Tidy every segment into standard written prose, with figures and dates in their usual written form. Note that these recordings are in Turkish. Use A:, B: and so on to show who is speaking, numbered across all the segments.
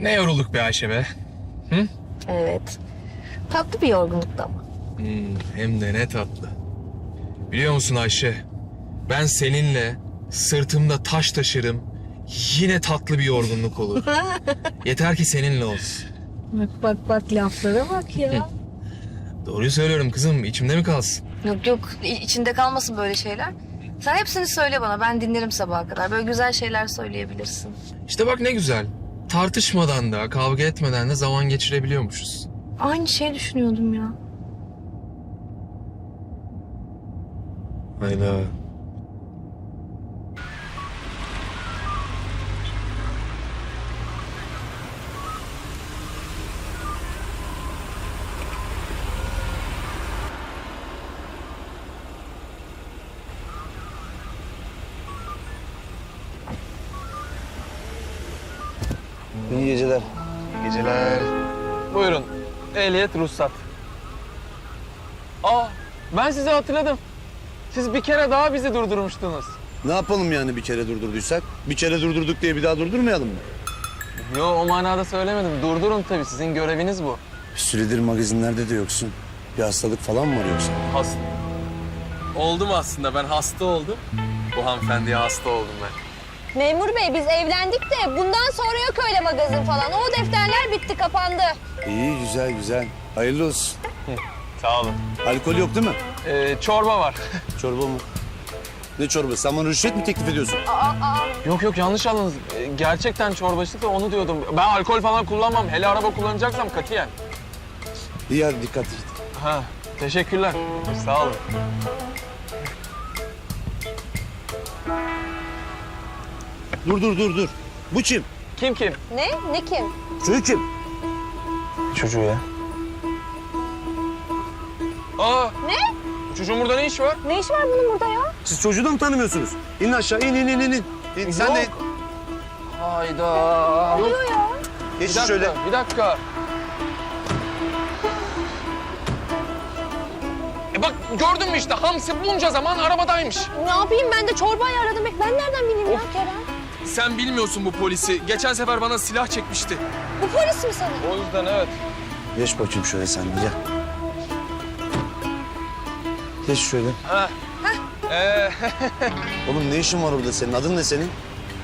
A: Ne yorulduk be Ayşe be. Hı?
B: Evet. Tatlı bir yorgunluktu ama.
A: Hem de ne tatlı. Biliyor musun Ayşe? Ben seninle sırtımda taş taşırım. Yine tatlı bir yorgunluk olur. Yeter ki seninle olsun.
B: Bak laflara bak ya.
A: Doğruyu söylüyorum kızım. İçimde mi kalsın?
B: Yok içinde kalmasın böyle şeyler. Sen hepsini söyle bana, ben dinlerim sabaha kadar. Böyle güzel şeyler söyleyebilirsin.
A: İşte bak ne güzel. Tartışmadan da, kavga etmeden de zaman geçirebiliyormuşuz.
B: Aynı şeyi düşünüyordum ya.
A: Hayda.
C: İyi geceler.
A: Geceler.
D: Buyurun. Ehliyet, ruhsat. Aa, ben sizi hatırladım. Siz bir kere daha bizi durdurmuştunuz.
C: Ne yapalım yani bir kere durdurduysak? Bir kere durdurduk diye bir daha durdurmayalım mı?
D: Yo, o manada söylemedim. Durdurun tabii, sizin göreviniz bu.
C: Bir süredir magazinlerde de yoksun. Bir hastalık falan mı var yoksa?
D: Hasta. Oldum aslında, ben hasta oldum. Bu hanımefendiye hasta oldum ben.
E: Memur bey biz evlendik de bundan sonra yok öyle magazin falan. O defterler bitti, kapandı.
C: İyi, güzel. Hayırlı olsun.
D: Sağ olun.
C: Alkol yok değil mi?
D: Çorba var.
C: Çorba mı? Ne çorbası? Sen bana rüşvet mi teklif ediyorsun?
D: Yok yanlış anladınız. Gerçekten çorbacılık da onu diyordum. Ben alkol falan kullanmam. Hele araba kullanacaksam katiyen.
C: İyi hadi dikkat et.
D: Ha, teşekkürler. Sağ olun.
C: Dur. Bu kim?
D: Kim?
E: Ne kim?
C: Çocuk kim?
D: Çocuğu ya. Aa!
E: Ne?
D: Çocuğun burada ne işi var?
E: Ne iş var bunun burada ya?
C: Siz çocuğu da mı tanımıyorsunuz? İn aşağı, in. İn, sen de in.
D: Hayda.
E: Ne oluyor ya?
C: Geç
D: Bir dakika,
C: şöyle.
D: bir dakika. Bak gördün mü işte Hamsi bunca zaman arabadaymış.
E: Ne yapayım, ben de çorbayı aradım. Ben nereden bileyim ya Kerem?
A: Sen bilmiyorsun bu polisi. Geçen sefer bana silah çekmişti.
E: Bu polis mi senin?
D: O yüzden evet.
C: Geç bakayım şöyle sen de gel. Geç şöyle. Oğlum ne işin var orada senin? Adın ne senin?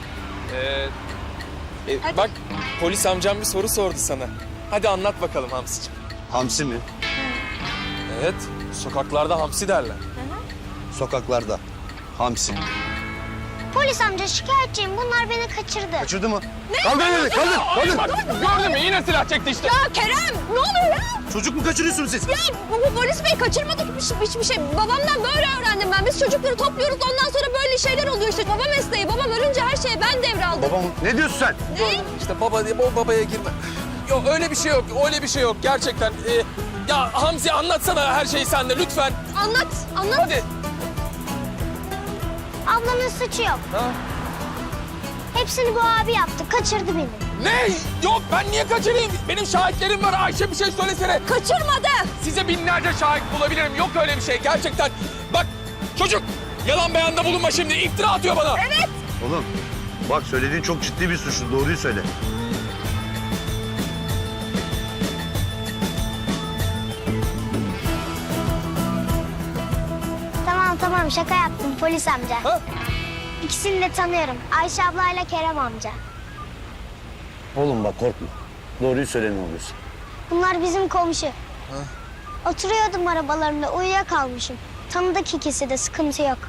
A: Bak polis amcam bir soru sordu sana. Hadi anlat bakalım Hamsi'ciğim.
C: Hamsi mi?
A: Evet, sokaklarda hamsi derler.
C: Sokaklarda. Hamsi.
F: Polis amca şikayetçiyim. Bunlar beni kaçırdı.
C: Kaçırdı mı? Kaldır beni, kaldır.
D: Gördün mü yine silah çekti işte.
E: Ya Kerem ne oluyor ya?
C: Çocuk mu kaçırıyorsunuz siz?
E: Ya bu polis bey kaçırmadık hiçbir şey. Babamdan böyle öğrendim ben. Biz çocukları topluyoruz, ondan sonra böyle şeyler oluyor işte. Baba mesleği, babam ölünce her şeyi ben devraldım.
C: Babam ne diyorsun sen?
A: İşte baba diye babaya girme. Yok öyle bir şey yok, öyle bir şey yok gerçekten. Ya Hamsi anlatsana her şeyi sen de lütfen.
E: Anlat.
A: Hadi.
F: Ablamın suçu yok.
D: Ha?
F: Hepsini bu abi yaptı. Kaçırdı beni.
A: Ne? Yok ben niye kaçırayım? Benim şahitlerim var. Ayşe bir şey söylesene.
E: Kaçırmadı.
A: Size binlerce şahit bulabilirim. Yok öyle bir şey gerçekten. Bak çocuk yalan beyanda bulunma şimdi. İftira atıyor bana. Evet.
C: Oğlum bak söylediğin çok ciddi bir suçlu. Doğruyu söyle.
F: Tamam şaka yaptım polis amca.
D: Ha?
F: İkisini de tanıyorum. Ayşe ablayla Kerem amca.
C: Oğlum bak korkma. Doğruyu söyle ne oluyorsa.
F: Bunlar bizim komşu. Oturuyordum arabalarında uyuyakalmışım. Tanıdık ikisi de, sıkıntı yok.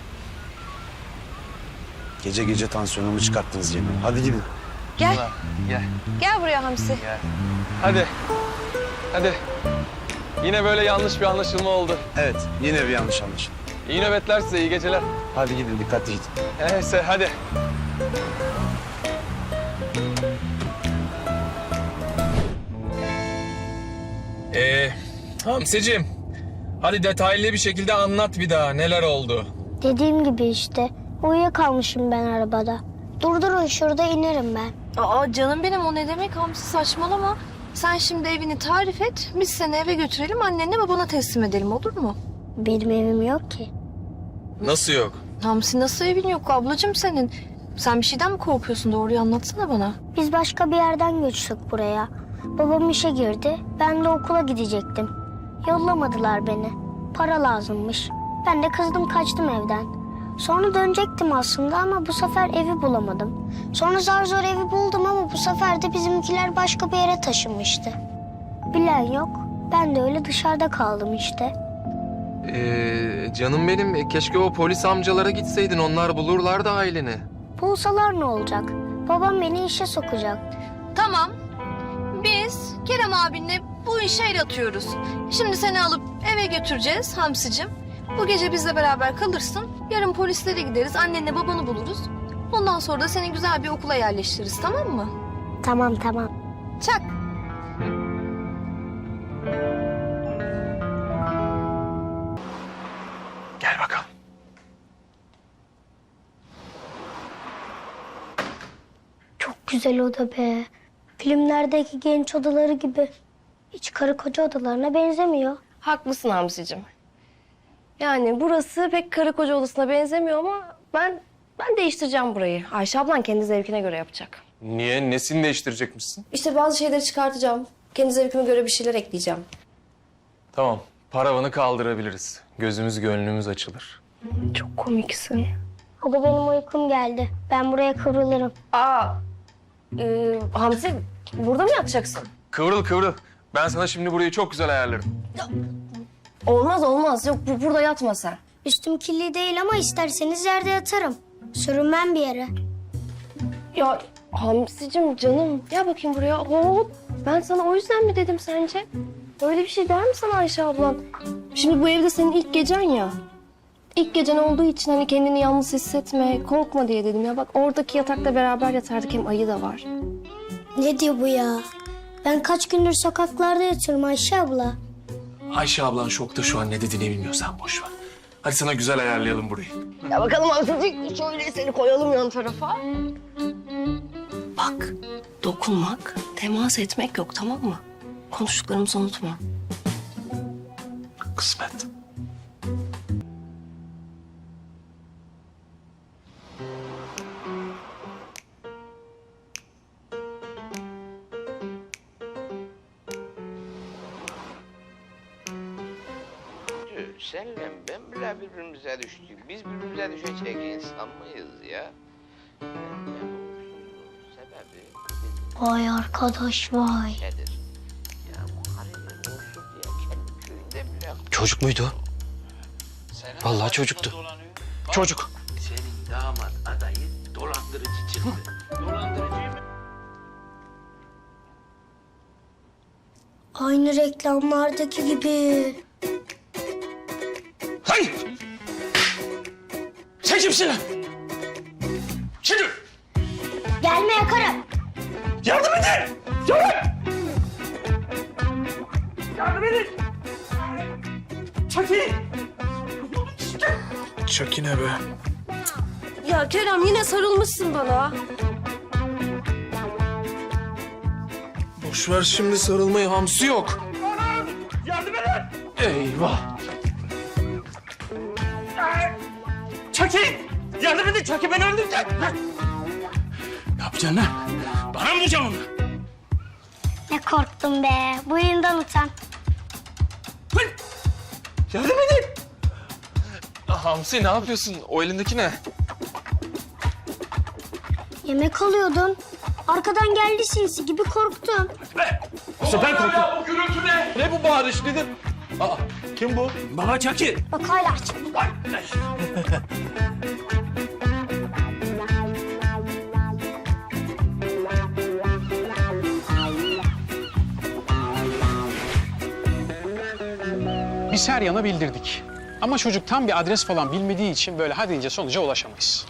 C: Gece gece tansiyonumu çıkarttınız Cemil. Hadi gidin.
E: Gel.
D: Gel.
E: Gel buraya Hamsi.
D: Hadi. Yine böyle yanlış bir anlaşılma oldu.
C: Evet yine bir yanlış anlaşılma.
D: İyi nöbetler size, iyi geceler.
C: Hadi gidin dikkatli gidin.
D: Neyse hadi.
A: Hamsi'cim hadi detaylı bir şekilde anlat bir daha neler oldu.
F: Dediğim gibi işte. Uyuyakalmışım ben arabada. Durdurun şurada inerim ben.
B: Aa canım benim, o ne demek Hamsi, saçmalama. Sen şimdi evini tarif et, biz seni eve götürelim, annenle babana teslim edelim, olur mu?
F: Benim evim yok ki.
A: Nasıl yok?
B: Hamsi nasıl evin yok ablacığım senin? Sen bir şeyden mi korkuyorsun? Doğruyu anlatsana bana.
F: Biz başka bir yerden göçtük buraya. Babam işe girdi. Ben de okula gidecektim. Yollamadılar beni. Para lazımmış. Ben de kızdım kaçtım evden. Sonra dönecektim aslında ama bu sefer evi bulamadım. Sonra zar zor evi buldum ama bu sefer de bizimkiler başka bir yere taşınmıştı. Bilen yok. Ben de öyle dışarıda kaldım işte.
A: Canım benim, keşke o polis amcalara gitseydin. Onlar bulurlardı aileni.
F: Bulsalar ne olacak? Babam beni işe sokacak.
B: Tamam. Biz Kerem abinle bu işe el atıyoruz. Şimdi seni alıp eve götüreceğiz Hamsicim. Bu gece bizle beraber kalırsın. Yarın polislere gideriz. Annenle babanı buluruz. Ondan sonra da seni güzel bir okula yerleştiririz, tamam mı?
F: Tamam tamam.
B: Çak.
A: Gel bakalım.
F: Çok güzel oda be. Filmlerdeki genç odaları gibi. Hiç karı koca odalarına benzemiyor.
E: Haklısın Hamsi'cim. Yani burası pek karı koca odasına benzemiyor ama ben değiştireceğim burayı. Ayşe ablan kendi zevkine göre yapacak.
D: Niye? Nesini değiştirecekmişsin?
E: İşte bazı şeyleri çıkartacağım. Kendi zevkime göre bir şeyler ekleyeceğim.
D: Tamam. Paravanı kaldırabiliriz. Gözümüz gönlümüz açılır.
E: Çok komiksin.
F: Hadi benim uykum geldi. Ben buraya kıvrılırım.
E: Hamsi burada mı yatacaksın?
D: Kıvrıl kıvrıl. Ben sana şimdi burayı çok güzel ayarlarım.
E: Olmaz. Yok burada yatma sen.
F: Üstüm kirli değil ama isterseniz yerde yatarım. Sürünmem bir yere.
E: Ya Hamsi'cim canım gel bakayım buraya. Hop. Ben sana o yüzden mi dedim sence? Öyle bir şey der mi sana Ayşe ablan? Şimdi bu evde senin ilk gecen ya. İlk gecen olduğu için hani kendini yalnız hissetme, korkma diye dedim ya. Bak oradaki yatakta beraber yatardık, hem ayı da var.
F: Ne diyor bu ya? Ben kaç gündür sokaklarda yatıyorum Ayşe abla.
A: Ayşe ablan şokta şu an, ne dediğini bilmiyor, sen boş ver. Hadi sana güzel ayarlayalım burayı.
E: Ya bakalım Hamsi'cik şöyle seni koyalım yan tarafa. Bak dokunmak, temas etmek yok, tamam mı? Konuştuklarımızı unutma.
A: Kısmet.
G: Senle ben bile birbirimize düştük. Biz birbirimize düşecek insan mıyız ya? Ben sebebi
F: Vay arkadaş vay.
G: nedir? Ya bu Halil'in olsun diye kendi köyünde bile...
H: Çocuk muydu?
G: Senin
H: Vallahi
G: adayın
H: çocuktu.
G: dolanıyor.
H: Çocuk.
G: Senin damat adayı dolandırıcı çıktı. Dolandırıcı mı?
F: Aynı reklamlardaki gibi.
H: Hayır! Sen kimsin lan? Şimdi
F: Gelme yakarım.
H: yardım edin! Yardım! Yardım edin! Çekil!
A: Çakine be.
E: Ya Kerem yine sarılmışsın bana.
A: Boş ver şimdi sarılmayı, hamsi yok.
H: Yardım edin!
A: Eyvah.
H: Çekil! Yardım edin! Çekil beni öldürecek! Ne yapacaksın lan? Bana mı vuracaksın onu?
F: Ne korktum be. Bu elinden utan.
H: Hıy! Yardım edin!
A: Hamsi ne yapıyorsun? O elindeki ne?
F: Yemek alıyordum. Arkadan geldi sinsi gibi korktum.
H: Bu sefer korktum.
D: Bu gürültü ne? Ne bu bağırış nedir? Aa, kim bu?
H: Baba Çakil!
F: Bak hala açık.
I: Biz her yana bildirdik. Ama çocuk tam bir adres falan bilmediği için böyle hadi deyince sonuca ulaşamayız.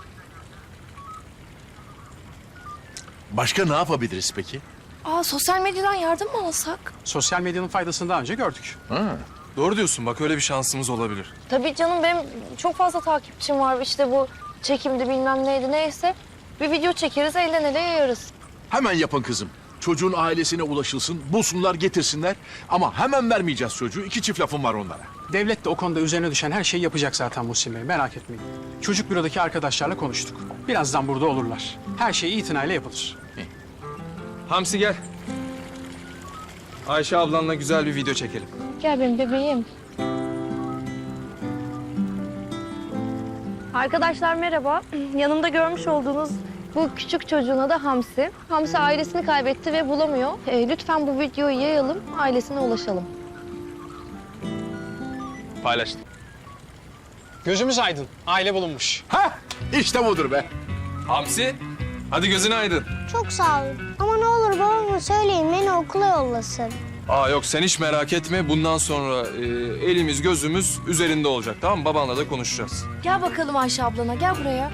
J: Başka ne yapabiliriz peki?
B: Sosyal medyadan yardım mı alsak?
I: Sosyal medyanın faydasını daha önce gördük.
A: Doğru diyorsun, bak öyle bir şansımız olabilir.
E: Tabii canım benim çok fazla takipçim var. İşte bu çekimdi bilmem neydi neyse. Bir video çekeriz, elden ele yayarız.
J: Hemen yapın kızım. Çocuğun ailesine ulaşılsın, bulsunlar, getirsinler. Ama hemen vermeyeceğiz çocuğu. 2 çift lafım var onlara.
I: Devlet de o konuda üzerine düşen her şeyi yapacak zaten Muhsin Bey, merak etmeyin. Çocuk bürodaki arkadaşlarla konuştuk. Birazdan burada olurlar. Her şey itinayla yapılır.
A: Hamsi gel. Ayşe ablanla güzel bir video çekelim.
B: Gel benim bebeğim. Arkadaşlar merhaba. Yanımda görmüş olduğunuz bu küçük çocuğun adı Hamsi. Hamsi ailesini kaybetti ve bulamıyor. Lütfen bu videoyu yayalım, ailesine ulaşalım.
A: Paylaştım.
I: Gözümüz aydın. Aile bulunmuş.
J: Hah, işte budur be.
A: Hamsi, hadi gözün aydın.
F: Çok sağ olun. Ama ne olur babama söyleyin beni okula yollasın.
A: Aa yok sen hiç merak etme. Bundan sonra elimiz gözümüz üzerinde olacak tamam mı? Babanla da konuşacağız.
B: Gel bakalım Ayşe ablana, gel buraya.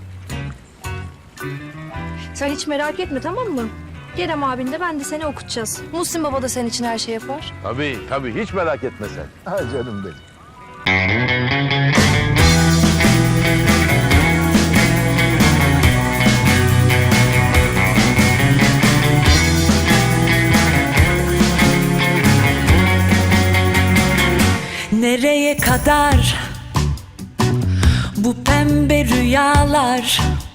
B: Sen hiç merak etme tamam mı? Kerem abin de ben de seni okutacağız. Muhsin baba da senin için her şey yapar.
C: Tabii hiç merak etme sen. Ha canım benim.
K: Nereye kadar bu pembe rüyalar?